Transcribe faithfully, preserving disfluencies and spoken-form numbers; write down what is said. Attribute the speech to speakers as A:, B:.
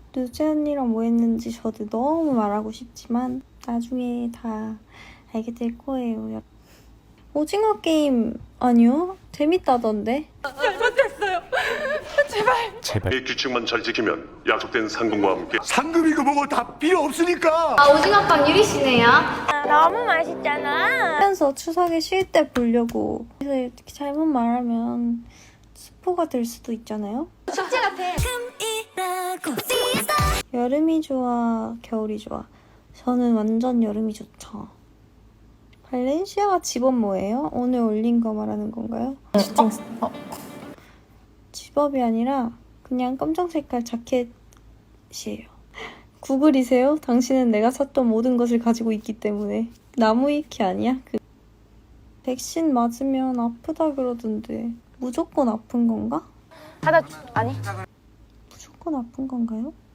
A: 누제 언니랑 뭐 했는지 저도 너무 말하고 싶지만 나중에 다 알게 될 거예요. 오징어 게임 아니요? 재밌다던데?
B: 잘못했어요. 제발.
C: 제발.
D: 이 규칙만 잘 지키면 약속된 상금과 함께
E: 상금이고 뭐고 다 필요 없으니까.
F: 아, 오징어빵 유리씨네요.
B: 너무 맛있잖아.
A: 하면서 추석에 쉴 때 보려고. 그래서 이렇게 잘못 말하면 스포가 될 수도 있잖아요?
F: 숙제 같아.
A: 여름이 좋아, 겨울이 좋아? 저는 완전 여름이 좋죠. 발렌시아가 집업 뭐예요? 오늘 올린 거 말하는 건가요?
B: 어? 어?
A: 집업이 아니라 그냥 검정 색깔 자켓이에요. 구글이세요? 당신은 내가 샀던 모든 것을 가지고 있기 때문에. 나무위키 아니야? 그 백신 맞으면 아프다 그러던데 무조건 아픈 건가?
B: 하다 아니.
A: 무조건 아픈 건가요?